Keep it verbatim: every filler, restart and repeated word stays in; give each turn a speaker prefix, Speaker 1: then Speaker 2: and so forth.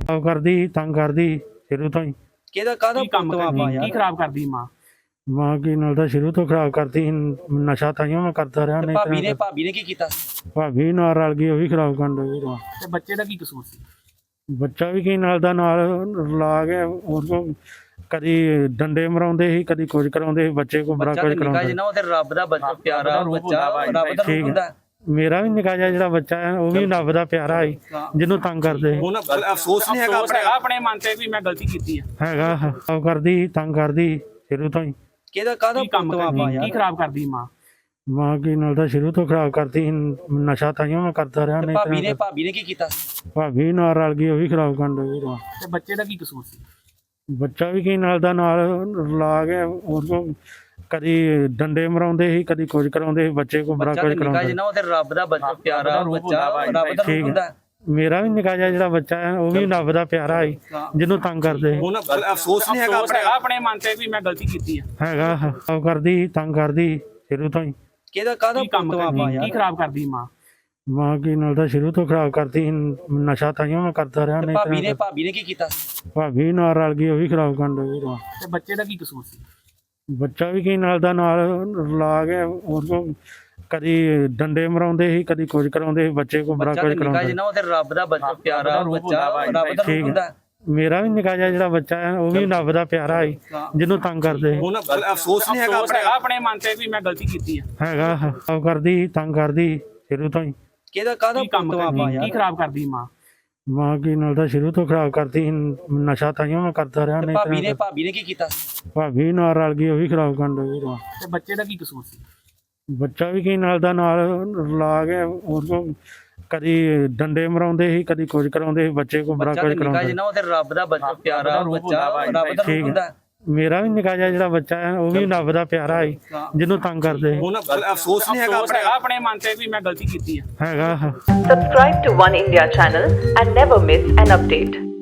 Speaker 1: ਖਰਾਬ ਕਰਦੀ ਤੰਗ ਕਰਦੀ ਸ਼ੁਰੂ ਤੋਂ ਹੀ।
Speaker 2: ਕਿਹਦਾ ਕਾਹਦਾ
Speaker 3: ਕੰਮ
Speaker 2: ਪੁੱਤ
Speaker 3: ਕਰਦੀ
Speaker 2: ਆਪਾਂ
Speaker 3: ਕੀ
Speaker 2: ਯਾਰ
Speaker 3: ਖਰਾਬ ਕਰਦੀ ਮਾਂ?
Speaker 1: ਮਾਂ ਕੀ ਨਾਲ ਤਾਂ ਸ਼ੁਰੂ ਤੋਂ ਖਰਾਬ ਕਰਦੀ ਸੀ, ਨਸ਼ਾ ਤਾਈਓ ਮੈਂ ਕਰਦਾ ਰਿਹਾ।
Speaker 2: ਤੇ
Speaker 1: ਨਹੀਂ
Speaker 2: ਭਾਬੀ ਨੇ
Speaker 1: ਤਾਂ
Speaker 2: ਭਾਬੀ ਨੇ ਕੀ ਕੀਤਾ?
Speaker 1: ਭਾਬੀ ਨਾਲ ਰਲ ਗਈ, ਉਹ ਵੀ ਖਰਾਬ ਕਰਨ ਲੱਗੀ।
Speaker 3: ਤੇ ਬੱਚੇ ਦਾ ਕੀ ਕਸੂਰ ਸੀ?
Speaker 1: ਬੱਚਾ ਵੀ ਕੀ ਨਾਲ ਦਾ ਨਾਲ ਲਾ ਕੇ ਉਹ ਤੋਂ ਕਦੀ ਡੰਡੇ ਮਰਾਉਂਦੇ ਸੀ, ਕਦੀ ਕੁਝ ਕਰਾਉਂਦੇ ਸੀ, ਬੱਚੇ ਕੋ ਬੜਾ
Speaker 2: ਬੱਚਾ
Speaker 1: ਕੁਝ
Speaker 2: ਤੇ ਨਿਕਾ
Speaker 1: ਕਰਾਉਂਦੇ।
Speaker 2: ਜਿਹਾ ਉਹ ਤੇ ਰੱਬ ਦਾ ਬੱਚਾ ਪਿਆਰਾ
Speaker 3: ਰੂਪ
Speaker 2: ਬੱਚਾ
Speaker 3: ਹੁੰਦਾ ਵਾ,
Speaker 2: ਰੱਬ ਦਾ
Speaker 1: ਠੀਕ
Speaker 2: ਰੂਪ
Speaker 1: ਹੈ।
Speaker 2: ਹੁੰਦਾ।
Speaker 1: ਮੇਰਾ ਵੀ ਨਿੱਕਾ ਜਿਹਾ ਜਿਹੜਾ ਬੱਚਾ ਹੈ ਉਹ ਵੀ ਰੱਬ ਦਾ ਪਿਆਰਾ ਹੈ, ਜਿਹਨੂੰ ਤੰਗ ਕਰਦੇ ਸੀ।
Speaker 4: ਹੁਣ ਅਫਸੋਸ ਨਹੀਂ ਹੈਗਾ
Speaker 3: ਅਫਸੋਸ ਹੈਗਾ ਆਪਣੇ ਮਨ ਤੇ ਵੀ ਮੈਂ ਗਲਤੀ ਕੀਤੀ ਆ।
Speaker 1: ਹੈਗਾ ਖਰਾਬ ਕਰਦੀ ਤੰਗ ਕਰਦੀ ਸ਼ੁਰੂ ਤੋਂ ਹੀ।
Speaker 2: ਕਿਹਦਾ ਕਾਹਦਾ
Speaker 3: ਕੀ ਕੰਮ
Speaker 2: ਪੁੱਤ ਆਪਾਂ
Speaker 3: ਕਰਦੀ ਕੀ
Speaker 2: ਯਾਰ
Speaker 3: ਖਰਾਬ ਕਰਦੀ ਮਾਂ?
Speaker 1: ਮਾਂ ਕੀ ਨਾਲ ਤਾਂ ਸ਼ੁਰੂ ਤੋਂ ਖਰਾਬ ਕਰਦੀ ਸੀ, ਨਸ਼ਾ ਤਾਈਓ ਮੈਂ ਕਰਦਾ ਰਿਹਾ।
Speaker 2: ਤੇ
Speaker 1: ਨਹੀਂ
Speaker 2: ਭਾਬੀ ਨੇ
Speaker 1: ਤਾਂ
Speaker 2: ਭਾਬੀ ਨੇ ਕੀ ਕੀਤਾ?
Speaker 1: ਭਾਬੀ ਨਾਲ ਰਲ ਗਈ, ਉਹ ਵੀ ਖਰਾਬ ਕਰਨ ਲੱਗੀ।
Speaker 3: ਤੇ ਬੱਚੇ ਦਾ ਕੀ ਕਸੂਰ ਸੀ?
Speaker 1: ਬੱਚਾ ਵੀ ਕੀ ਨਾਲ ਦਾ ਨਾਲ ਲਾ ਕੇ ਉਹ ਤੋਂ ਕਦੀ ਡੰਡੇ ਮਰਾਉਂਦੇ ਸੀ, ਕਦੀ ਕੁਝ ਕਰਾਉਂਦੇ ਸੀ, ਬੱਚੇ ਕੋ ਬੜਾ
Speaker 2: ਬੱਚਾ
Speaker 1: ਕੁਝ
Speaker 2: ਤੇ ਨਿਕਾ
Speaker 1: ਕਰਾਉਂਦੇ।
Speaker 2: ਜਿਹਾ ਉਹ ਤੇ ਰੱਬ ਦਾ ਬੱਚਾ ਪਿਆਰਾ
Speaker 3: ਰੂਪ
Speaker 2: ਬੱਚਾ
Speaker 3: ਹੁੰਦਾ ਵਾ,
Speaker 2: ਰੱਬ ਦਾ
Speaker 1: ਠੀਕ
Speaker 2: ਰੂਪ
Speaker 1: ਹੈ।
Speaker 2: ਹੁੰਦਾ।
Speaker 1: ਮੇਰਾ ਵੀ ਨਿੱਕਾ ਜਿਹਾ ਜਿਹੜਾ ਬੱਚਾ ਹੈ ਉਹ ਵੀ ਰੱਬ ਦਾ ਪਿਆਰਾ ਹੈ, ਜਿਹਨੂੰ ਤੰਗ ਕਰਦੇ ਸੀ।
Speaker 4: ਹੁਣ ਅਫਸੋਸ ਨਹੀਂ ਹੈਗਾ
Speaker 3: ਅਫਸੋਸ ਹੈਗਾ ਆਪਣੇ ਮਨ ਤੇ ਵੀ ਮੈਂ ਗਲਤੀ ਕੀਤੀ ਆ।
Speaker 1: ਹੈਗਾ ਖਰਾਬ ਕਰਦੀ ਤੰਗ ਕਰਦੀ ਸ਼ੁਰੂ ਤੋਂ ਹੀ।
Speaker 2: ਕਿਹਦਾ ਕਾਹਦਾ
Speaker 3: ਕੀ ਕੰਮ
Speaker 2: ਪੁੱਤ ਆਪਾਂ
Speaker 3: ਕਰਦੀ ਕੀ
Speaker 2: ਯਾਰ
Speaker 3: ਖਰਾਬ ਕਰਦੀ ਮਾਂ?
Speaker 1: ਮਾਂ ਕੀ ਨਾਲ ਤਾਂ ਸ਼ੁਰੂ ਤੋਂ ਖਰਾਬ ਕਰਦੀ ਸੀ, ਨਸ਼ਾ ਤਾਈਓ ਮੈਂ ਕਰਦਾ ਰਿਹਾ।
Speaker 2: ਤੇ
Speaker 1: ਨਹੀਂ
Speaker 2: ਭਾਬੀ ਨੇ
Speaker 1: ਤਾਂ
Speaker 2: ਭਾਬੀ ਨੇ ਕੀ ਕੀਤਾ?
Speaker 1: ਭਾਬੀ ਨਾਲ ਰਲ ਗਈ, ਉਹ ਵੀ ਖਰਾਬ ਕਰਨ ਲੱਗੀ।
Speaker 3: ਤੇ ਬੱਚੇ ਦਾ ਕੀ ਕਸੂਰ ਸੀ?
Speaker 1: ਬੱਚਾ ਵੀ ਕੀ ਨਾਲ ਦਾ ਨਾਲ ਲਾ ਕੇ ਉਹ ਤੋਂ ਕਦੀ ਡੰਡੇ ਮਰਾਉਂਦੇ ਸੀ, ਕਦੀ ਕੁਝ ਕਰਾਉਂਦੇ ਸੀ, ਬੱਚੇ ਕੋ ਬੜਾ
Speaker 2: ਬੱਚਾ
Speaker 1: ਕੁਝ
Speaker 2: ਤੇ ਨਿਕਾ
Speaker 1: ਕਰਾਉਂਦੇ।
Speaker 2: ਜਿਹਾ ਉਹ ਤੇ ਰੱਬ ਦਾ ਬੱਚਾ ਪਿਆਰਾ
Speaker 3: ਰੂਪ
Speaker 2: ਬੱਚਾ
Speaker 3: ਹੁੰਦਾ ਵਾ,
Speaker 2: ਰੱਬ ਦਾ
Speaker 1: ਠੀਕ
Speaker 2: ਰੂਪ
Speaker 1: ਹੈ।
Speaker 2: ਹੁੰਦਾ।
Speaker 1: ਮੇਰਾ ਵੀ ਨਿੱਕਾ ਜਿਹਾ ਜਿਹੜਾ ਬੱਚਾ ਹੈ ਉਹ ਵੀ ਰੱਬ ਦਾ ਪਿਆਰਾ ਹੈ, ਜਿਹਨੂੰ ਤੰਗ ਕਰਦੇ ਸੀ।
Speaker 4: ਹੁਣ ਅਫਸੋਸ ਨਹੀਂ ਹੈਗਾ
Speaker 3: ਅਫਸੋਸ ਹੈਗਾ ਆਪਣੇ ਮਨ ਤੇ ਵੀ ਮੈਂ ਗਲਤੀ ਕੀਤੀ ਆ।
Speaker 1: ਹੈਗਾ ਖਰਾਬ ਕਰਦੀ ਤੰਗ ਕਰਦੀ ਸ਼ੁਰੂ ਤੋਂ ਹੀ।
Speaker 2: ਕਿਹਦਾ ਕਾਹਦਾ
Speaker 3: ਕੀ ਕੰਮ
Speaker 2: ਪੁੱਤ ਆਪਾਂ
Speaker 3: ਕਰਦੀ ਕੀ
Speaker 2: ਯਾਰ
Speaker 3: ਖਰਾਬ ਕਰਦੀ ਮਾਂ?
Speaker 1: ਮਾਂ ਕੀ ਨਾਲ ਤਾਂ ਸ਼ੁਰੂ ਤੋਂ ਖਰਾਬ ਕਰਦੀ ਸੀ, ਨਸ਼ਾ ਤਾਈਓ ਮੈਂ ਕਰਦਾ ਰਿਹਾ।
Speaker 2: ਤੇ
Speaker 1: ਨਹੀਂ
Speaker 2: ਭਾਬੀ ਨੇ
Speaker 1: ਤਾਂ
Speaker 2: ਭਾਬੀ ਨੇ ਕੀ ਕੀਤਾ?
Speaker 1: ਭਾਬੀ ਨਾਲ ਰਲ ਗਈ, ਉਹ ਵੀ ਖਰਾਬ ਕਰਨ ਲੱਗੀ।
Speaker 3: ਤੇ ਬੱਚੇ ਦਾ ਕੀ ਕਸੂਰ ਸੀ?
Speaker 1: ਬੱਚਾ ਵੀ ਕੀ ਨਾਲ ਦਾ ਨਾਲ ਲਾ ਕੇ ਉਹ ਤੋਂ ਕਦੀ ਡੰਡੇ ਮਰਾਉਂਦੇ ਸੀ, ਕਦੀ ਕੁਝ ਕਰਾਉਂਦੇ ਸੀ, ਬੱਚੇ ਕੋ ਬੜਾ
Speaker 2: ਬੱਚਾ
Speaker 1: ਕੁਝ
Speaker 2: ਤੇ ਨਿਕਾ
Speaker 1: ਕਰਾਉਂਦੇ।
Speaker 2: ਜਿਹਾ ਉਹ ਤੇ ਰੱਬ ਦਾ ਬੱਚਾ ਪਿਆਰਾ
Speaker 3: ਰੂਪ
Speaker 2: ਬੱਚਾ
Speaker 3: ਹੁੰਦਾ ਵਾ,
Speaker 2: ਰੱਬ ਦਾ
Speaker 1: ਠੀਕ
Speaker 2: ਰੂਪ
Speaker 1: ਹੈ।
Speaker 2: ਹੁੰਦਾ।
Speaker 1: ਮੇਰਾ ਵੀ ਨਿੱਕਾ ਜਿਹਾ ਜਿਹੜਾ ਬੱਚਾ ਹੈ ਉਹ ਵੀ ਰੱਬ ਦਾ ਪਿਆਰਾ ਹੈ, ਜਿਹਨੂੰ ਤੰਗ ਕਰਦੇ ਸੀ।
Speaker 4: ਹੁਣ ਅਫਸੋਸ ਨਹੀਂ ਹੈਗਾ
Speaker 3: ਅਫਸੋਸ ਹੈਗਾ ਆਪਣੇ ਮਨ ਤੇ ਵੀ ਮੈਂ ਗਲਤੀ ਕੀਤੀ ਆ।
Speaker 1: ਹੈਗਾ
Speaker 5: Subscribe to One India channel and never miss an update.